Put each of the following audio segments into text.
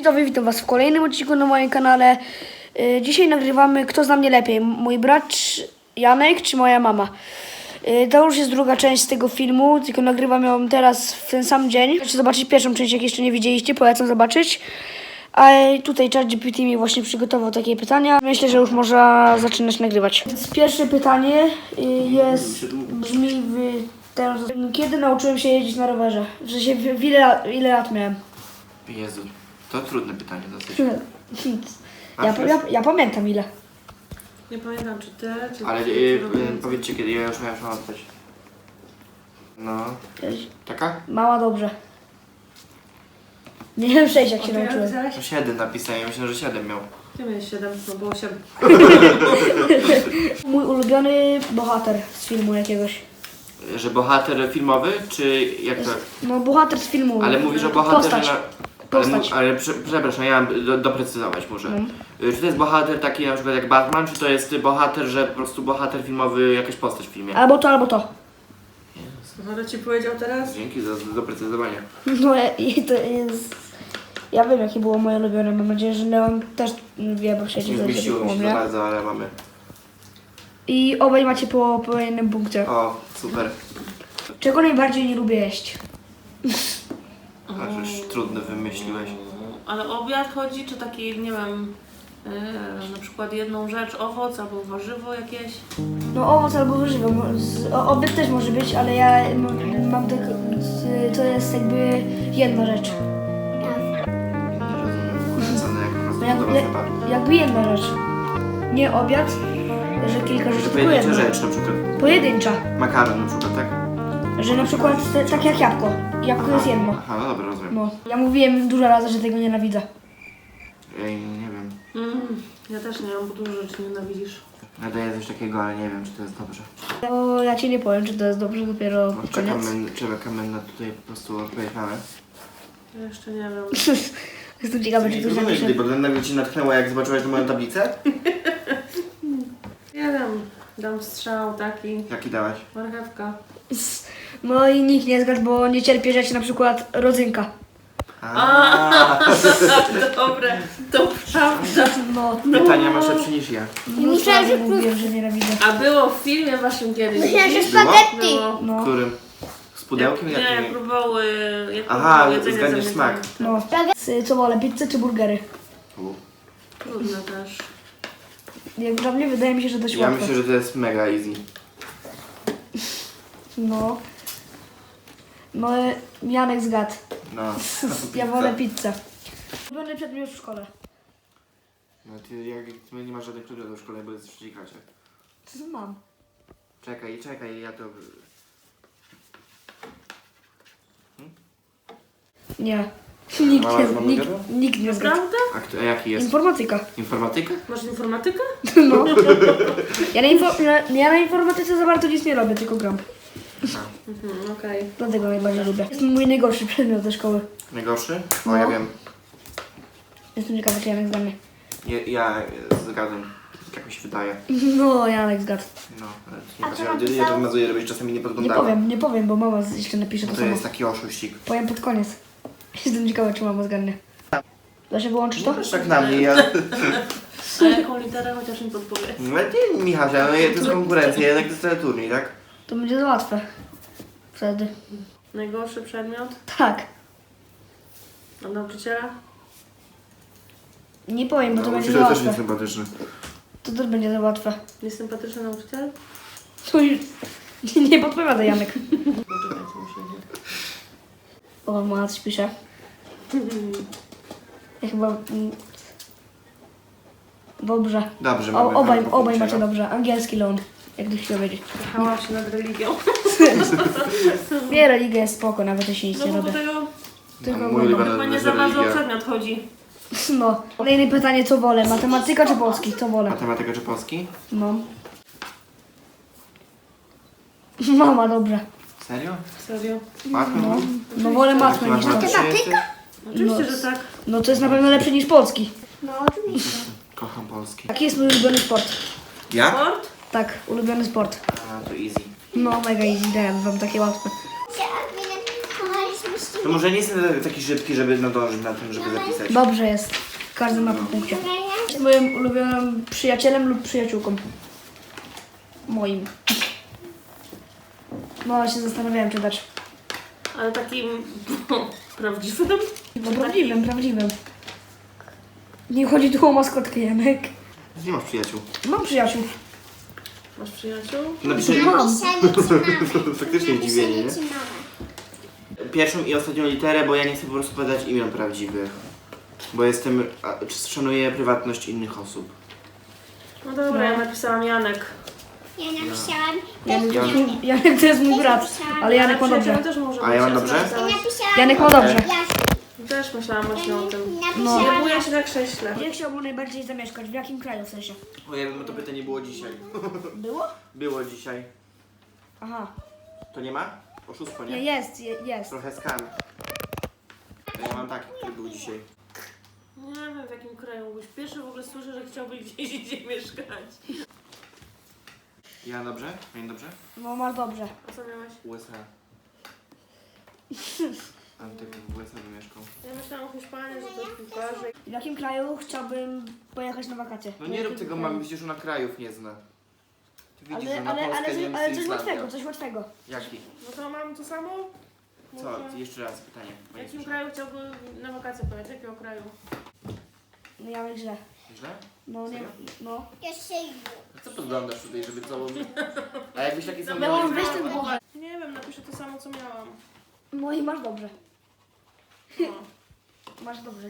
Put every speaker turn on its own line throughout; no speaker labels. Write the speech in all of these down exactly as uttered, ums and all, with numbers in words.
widzowie, witam was w kolejnym odcinku na moim kanale. Yy, dzisiaj nagrywamy Kto zna mnie lepiej, mój brat Janek czy moja mama. Yy, to już jest druga część z tego filmu, tylko nagrywam ją teraz w ten sam dzień. Chcecie zobaczyć pierwszą część, jak jeszcze nie widzieliście, polecam zobaczyć. A tutaj ChatGPT mi właśnie przygotował takie pytania. Myślę, że już można zaczynać nagrywać. Więc pierwsze pytanie yy, jest, brzmi w ten, kiedy nauczyłem się jeździć na rowerze? W sensie, w, w ile, ile lat miałem?
Jezu, to trudne pytanie dosyć.
Ja, ja, ja pamiętam ile.
Nie pamiętam czy ty, czy
Ale
ty,
y,
czy
y, powiedzcie kiedy, ja już miałem odpowiedź. No, taka?
Mała dobrze. Nie wiem sześć jak się
A ty jak
nauczyłem.
pisałeś?
No siedem napisałem, ja myślę, że siedem miał.
Ty miałeś siedem, no było siedem.
Mój ulubiony bohater z filmu jakiegoś.
Że bohater filmowy, czy jak to?
No bohater z filmu.
Ale mówisz o bohaterze
Postać.
na...
Postać.
Ale, mu- ale prze, przepraszam, ja mam do, doprecyzować muszę. Y, Czy to jest bohater taki na przykład jak Batman, czy to jest bohater, że po prostu bohater filmowy, jakaś postać w filmie?
Albo to, albo to.
Ale ci powiedział teraz?
Dzięki za za doprecyzowanie.
No i to jest... Ja wiem jakie było moje ulubione. Mam nadzieję, że Leon też wie, bo siedzi
Nie
za
zmieściło mi się za
mnie.
bardzo, ale mamy.
I obaj macie po, po jednym punkcie.
O, super.
Czego najbardziej nie lubię jeść?
Aż już trudno wymyśliłeś.
Ale obiad chodzi, czy taki, nie wiem, yy, na przykład jedną rzecz, owoc albo warzywo jakieś?
No owoc albo warzywo. Mo- z- o- Obiad też może być, ale ja mam, mam tak, z- to jest jakby jedna rzecz.
Nie rozumiem. Cenę jak po prostu
No jak,
dobra
jak,
zabawa.
jakby jedna rzecz. Nie obiad, że kilka rzeczy,
To
tylko
pojedyncza
jedna.
rzecz na przykład.
Pojedyncza.
Makaron na przykład, tak?
Że na przykład te, tak jak jabłko. Jabłko jest jedno.
Aha, no dobra, rozumiem.
No. Ja mówiłem dużo razy, że tego nienawidzę.
Ej, nie wiem.
Mm, ja też nie mam, bo dużo rzeczy nienawidzisz.
Nadaję coś takiego, ale nie wiem, czy to jest dobrze.
No, ja ci nie powiem, czy to jest dobrze dopiero
No,
pod
czekamy,
koniec.
czekamy na tutaj po prostu odpowiedź mamy.
Ja jeszcze nie wiem.
Jestem ciekawa, czy ktoś napisze.
Bo nagle ci natchnęło, jak zobaczyłeś moją tablicę?
Nie wiem, dam strzał taki,
Jaki dałeś?
marchewka.
No i nikt nie zgadł, bo nie cierpię rzeczy, na przykład rodzynka.
A,
Dobre, to prawda.
No.
pytania masz lepsze niż ja.
No myślałem, że mówiłem, że nienawidzę.
A było w filmie waszym kiedyś?
Myślałam, że
widzisz?
spaghetti.
Było.
W
No.
którym? Z pudełkiem?
Nie,
Jakim?
próbowały, jak
Aha,
próbowały jedzenie
zgadniesz
zamykane.
smak.
No. Z- Co wolę, pizzę czy burgery?
U.
Trudne też.
Jak dla mnie wydaje mi się, że dość
Ja
łatwe.
myślę, że to jest mega easy.
No. No, e, Janek zgadł.
No.
Ja wolę pizzę. Ulubiony przedmiot w szkole.
No ty, jak ty nie masz żadnych przedmiotów w szkole, bo jesteś w trzeciej klasie.
Co mam?
Czekaj, czekaj, ja to...
Nie. Nikt
Mama z
nie,
mamą
nikt,
gadał?
nikt nie zgadł.
Prawda?
A, kto, a jaki jest?
Informatyka.
Informatyka?
Masz informatykę?
No. Ja na, info, na, ja na informatyce za bardzo nic nie robię, tylko gram.
Mhm, okej.
Dlatego najbardziej lubię. Jest mój najgorszy przedmiot ze szkoły.
Najgorszy? O,
No.
ja wiem.
Jestem ciekawa, czy Janek zda mnie.
Ja, ja zgadzam. Tak mi się wydaje.
No, Janek zgadł.
No, ale
A
nie
co
patrzę,
napisał?
ja to wymazuję, żebyś czasami nie
Nie
podglądała.
powiem, nie powiem, bo mama jeszcze napisze
No
to
to
samo.
jest taki oszuścik.
Powiem pod koniec. Jestem ciekawa, czy mama zgadnie. Da się wyłączyć to?
Możesz tak na mnie, ja...
A jaką literę chociaż mi podpowiedz?
No nie, Michasia, no to jest konkurencja, jednak to jest cały turniej, tak?
To będzie za łatwe. Wtedy.
Najgorszy przedmiot?
Tak.
Od nauczyciela?
Nie powiem, bo to
No,
będzie za
nauczyciel też
łatwe.
jest sympatyczny.
To też będzie za łatwe.
Niesympatyczny nauczyciel?
To już... Nie podpowiada Janek.
Poczekajcie, muszę iść.
O, mama coś pisze. Ja chyba... mm, Dobrze.
Dobrze,
O,
mamy
obaj,
mamy
obaj
punkcie,
macie
no.
dobrze. Angielski ląd. Jak ktoś chciał wiedzieć.
Jechałam się nad religią.
Nie, religia jest spoko, nawet jeśli nic
No
nie
bo do
robię.
tego
Tylko
Mój
oglądam.
ulubiony
chyba nie
jest
za bardzo o
religia.
przedmiot chodzi.
No. Kolejne pytanie, co wolę? Matematyka czy polski? Co wolę?
Matematyka czy polski?
No. Mama, dobrze.
Serio?
Serio?
Matmy?
No, no wolę matmę niż to.
Matematyka?
Oczywiście,
No.
że tak.
No to jest na pewno lepsze niż polski.
No oczywiście.
Kocham polski.
Jaki jest mój ulubiony sport?
Ja?
Sport?
Tak, ulubiony sport.
A, to easy.
No, mega easy, dałem wam takie łatwe.
Kochaliśmy się
To może nie jestem taki szybki, żeby nadążyć na tym, żeby zapisać.
Dobrze jest. Każdy ma po punkcie. Jest moim ulubionym przyjacielem lub przyjaciółką. Moim. No, się zastanawiałem, czy dać.
Ale takim prawdziwym?
No, prawdziwym, prawdziwym. Nie chodzi tu o maskotkę, Janek.
Nie masz przyjaciół.
Mam przyjaciół.
Masz przyjaciół?
Napiszę
Mam.
faktycznie zdziwienie, nie? Pierwszą i ostatnią literę, bo ja nie chcę po prostu podać imion prawdziwych. Bo jestem, a, czy szanuję prywatność innych osób.
No dobra, ja napisałam Janek.
Ja napisałam.
Janek, Janek to jest mój brat, ale Janek ma dobrze.
Przyjacielem też może
A ja
być,
mam dobrze?
napisałaś.
Napisałam.
Janek ma dobrze.
Ja
Też myślałam właśnie o tym.
No.
Nie buję się na krześle.
Gdzie chciałbym najbardziej zamieszkać? W jakim kraju w sensie?
O, ja bym to pytanie było dzisiaj.
Było?
Było dzisiaj.
Aha.
To nie ma? Oszustwo,
Nie,
nie?
jest, je, jest.
Trochę skam. Ja mam taki, który był dzisiaj.
Nie wiem w jakim kraju mógłbyś. Pierwszy w ogóle słyszę, że chciałbyś gdzieś indziej mieszkać.
Ja dobrze? Ja dobrze?
No, masz dobrze.
A co miałeś?
U S A. Antek w U S A by mieszkał.
Ja myślałam o Hiszpanii, że to jest piłkarze.
W jakim kraju chciałbym pojechać na wakacje?
No nie rób tego, mamy, przecież ona krajów nie zna. Ty widzisz, że
Ale,
na
ale,
Polskę,
ale, coś-
Niemcy,
ale coś
Islandia.
łatwego, coś łatwego.
Jaki?
No to mam to samo?
Co?
Może-
Jeszcze raz pytanie.
W
bo nie
jakim
słyszałem.
kraju chciałby na wakacje pojechać? Jakiego kraju?
No ja źle.
Źle?
No nie, no.
Jeszcze
A co podglądasz tutaj, żeby całą... A jakbyś taki sam
Ja
miał...
mam weź ten bochę.
Nie wiem, napiszę to samo co miałam.
No i masz dobrze.
No.
Masz dobrze.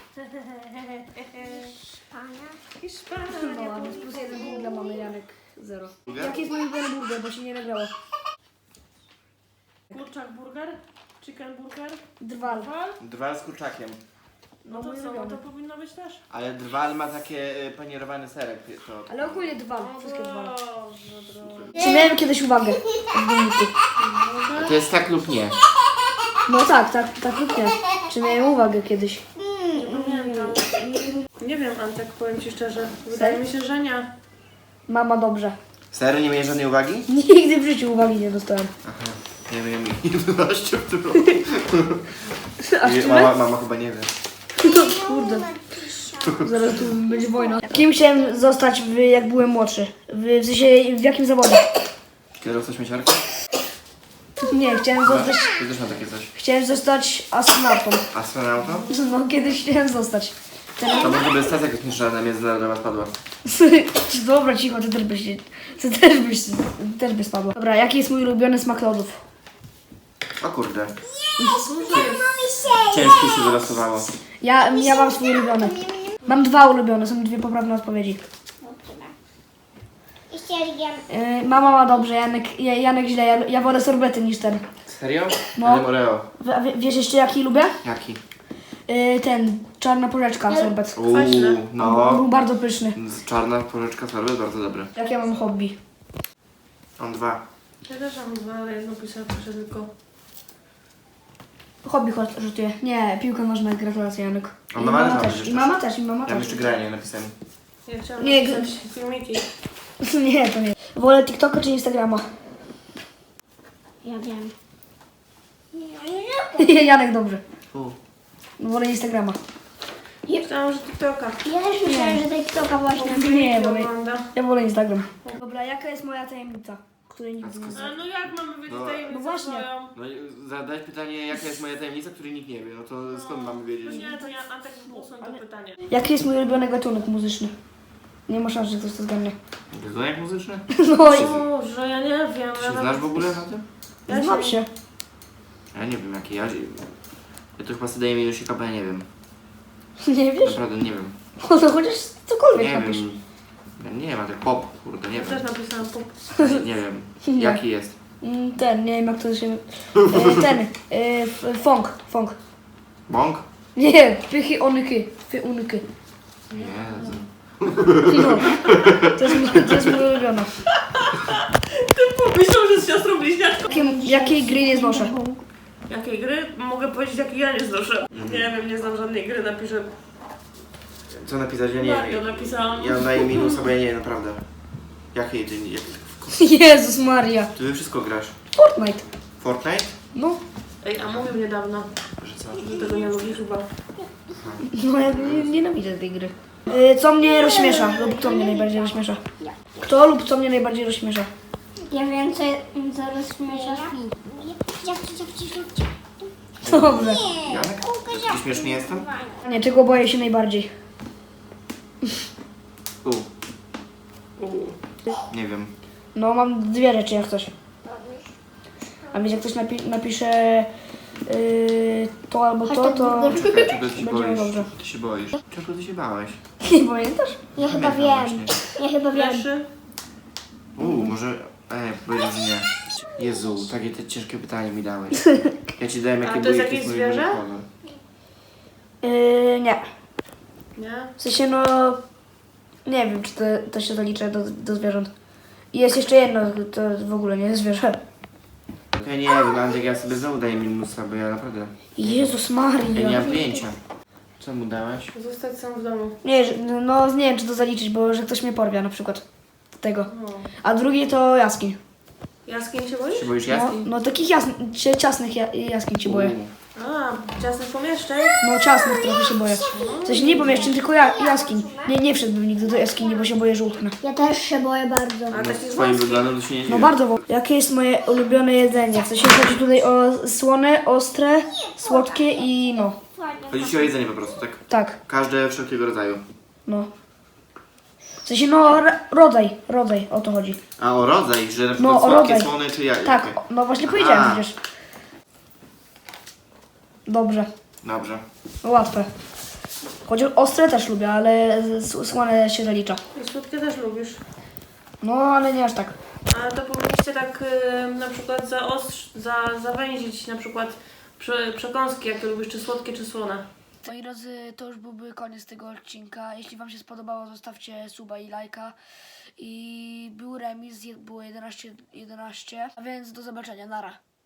pana.
Hiszpania.
No, więc plus jeden punkt dla mamy, Janek zero.
Burger?
Jaki jest mój ulubiony burger, bo się nie nagrało?
Kurczak burger? Chicken burger?
Drwal.
Drwal?
Drwal z kurczakiem.
No
No
to
mój
co, no
ulubiony.
to powinno być też.
Ale drwal ma takie y, panierowany serek. To...
Ale ogólnie drwal,
O
wszystkie drwal.
Boże drogi.
Czy miałem kiedyś uwagę w wyniku?
A to jest tak lub nie.
No tak, tak, tak lub nie. Czy miałem uwagę kiedyś?
Nie pamiętam. Nie wiem, Antek, powiem Ci szczerze. Wydaje mi się, że nie.
Mama dobrze.
Serio nie miałeś żadnej uwagi?
Nigdy w życiu uwagi nie dostałem.
Aha. Nie wiem, jedenaście w tym
A
roku.
czy
Mama, mama chyba nie wie.
No kurde. Zaraz tu będzie wojna. Kim chciałem zostać, w, jak byłem młodszy? W, w sensie, w jakim zawodzie?
Kierowca śmieciarka?
Nie, chciałem zostać,
Ty też ma takie coś.
chciałem zostać astronautą.
Astronautą?
No, kiedyś chciałem zostać.
To może by stacja kosmiczna międzynarodowa spadła.
Dobra, cicho, ty też byś, ty też byś, też byś spadła. Dobra, jaki jest mój ulubiony smak lodów?
O kurde.
Mami się.
Ciężko się wylosowało.
Ja, ja mam swój ulubiony. Mam dwa ulubione, są dwie poprawne odpowiedzi.
Jeszcze jem.
Yy, mama ma dobrze, Janek, Ja- Janek źle, ja, ja wolę sorbety niż ten.
Serio?
No.
Ale Oreo.
W, a wie- wiesz jeszcze jaki lubię?
Jaki?
Yy, ten, czarna porzeczka, sorbet.
Uuu,
Kwaśne.
Był
no.
bardzo pyszny.
Z czarna porzeczka sorbet, bardzo dobry.
Jak ja mam hobby?
On dwa.
Ja też mam dwa, ale jedno pisałam proszę tylko.
Hobby chodź, rzutuję. Nie, piłka nożna, gratulacje Janek.
A
I
mama
mama
też
też,
ma
i mama też, i mama
Ja mam
też.
jeszcze granie napisałem.
Ja chciałam
Nie,
napisać filmiki.
Nie, to nie. Wolę TikToka czy Instagrama?
Ja wiem.
Janek dobrze.
U.
No, wolę Instagrama.
Myślałam, że TikToka.
Ja też myślałam, że TikToka właśnie.
Nie, wolę,
Ogląda.
ja wolę Instagram. Dobra, jaka jest moja tajemnica, której nigdy nie znam?
A no jak mamy wiedzieć
No.
tajemnicę
No właśnie.
swoją?
No i zadać pytanie, jaka jest moja tajemnica, której nikt nie wie. No to skąd mamy
No
wiedzieć?
nie, to ja Antek usuń to pytanie.
Jaki jest mój ulubiony gatunek muzyczny? Nie ma szans, że ktoś to zgadnie.
Gatunek muzyczny?
No i
Boże, ja nie wiem.
Ty
ja
się znasz w ogóle na tym?
Ja
znam się.
Ja nie wiem jaki. Ja, ja to chyba sobie daję minusika, bo ja nie wiem.
Nie wiesz?
Naprawdę nie wiem.
No to chociaż cokolwiek
Nie
napisz.
wiem. Ja nie wiem, a tak pop, kurde, nie
Ja też
wiem.
napisałam pop.
Nie wiem.
Nie.
Jaki jest?
Mm, Ten, nie wiem jak to się... E, ten, e, f- funk, funk.
Bąk?
Nie, pychy onyky, fy unyky.
Jezu.
No, to jest, mój- to jest mój ulubiony.
Myślał, że z siostrą bliźniaczką.
Jakiej, jakiej gry nie znoszę?
Jakiej gry? Mogę powiedzieć, jakiej ja nie znoszę. Nie wiem, nie znam żadnej gry, napiszę.
Co napisać? Ja nie
Mario
wiem.
napisałam.
Ja daję minusa, bo ja nie wiem, naprawdę. Jakiej ty... Jak...
Jezus Maria.
Ty we wszystko grasz.
Fortnite.
Fortnite?
No,
Ej, a mówił niedawno,
Że co?
że tego nie lubi chyba.
No ja nie- nienawidzę tej gry. Y, Co mnie rozśmiesza lub kto mnie najbardziej rozśmiesza? Kto lub co mnie najbardziej rozśmiesza?
Ja wiem, co, co rozśmiesza film.
Dobrze.
Janek? Taki śmieszny jestem?
Nie, czego boję się najbardziej?
U,
Uuu.
nie wiem.
No mam dwie rzeczy jak coś. A więc jak ktoś napi- napisze yy, to albo to, to
Czekaj, czego ty się
Będzie
boisz?
dobrze.
Ty się boisz? Czego ty się bałeś?
nie pamiętasz?
Ja chyba
Pamiętam
wiem.
właśnie.
Ja chyba wiem.
Leszy?
Uuu, może... Ej, powiedz nie. Jezu, takie te ciężkie pytanie mi dałeś. Ja ci dałem
A
jakie
to jest
były
jakieś
mój
zwierzę?
ulubiony kolor.
Yy, nie.
Nie?
W sensie no nie wiem czy to, to się zalicza do, do zwierząt. I jest jeszcze jedno, to w ogóle nie jest zwierzę.
Ja nie wiem, Andrzej, ja sobie znowu daję minusa, bo ja naprawdę...
Jezus
Ja nie
Maria.
mam pojęcia. Co mu dałeś?
Zostać sam w domu.
Nie, że- no nie wiem czy to zaliczyć, bo że ktoś mnie porwia na przykład. Tego.
No.
A drugi to jaskiń.
Jaskiń się boisz?
Się boisz
No,
jaskiń?
no takich jasn- cie- ciasnych ja- jaskiń się boję.
Uuu.
A, ciasnych pomieszczeń?
No ciasnych trochę się boję. W sensie nie pomieszczeń, tylko ja, jaskiń. Nie, nie wszedłbym nigdy do jaskini, bo się boję, że utknę.
Ja też się boję bardzo.
A
No,
takich
z twoim
wąskich?
wyglądem to się nie
No
dziwię.
bardzo. wo- Jakie jest moje ulubione jedzenie? W sensie chodzi tutaj o słone, ostre, słodkie i no.
Chodzi ci o jedzenie po prostu, tak?
Tak,
Każde wszelkiego rodzaju.
no. W sensie no r- rodzaj, rodzaj, o to chodzi.
A o rodzaj, że na
No,
przykład
o
słodkie,
rodzaj.
słone czy jakie?
Tak, o- no właśnie powiedziałem
A.
przecież. Dobrze,
Dobrze.
no łatwe. Chodzi o ostre też lubię, ale s- słone się zalicza.
I słodkie też lubisz.
No ale nie aż tak.
Ale to powinniście tak y, na przykład zaostrz, za, zawęzić na przykład prze, przekąski, jak to lubisz, czy słodkie, czy słone.
Moi drodzy, to już byłby koniec tego odcinka. Jeśli wam się spodobało, zostawcie suba i lajka. I był remis, je- było jedenaście jedenaście. A więc do zobaczenia, nara.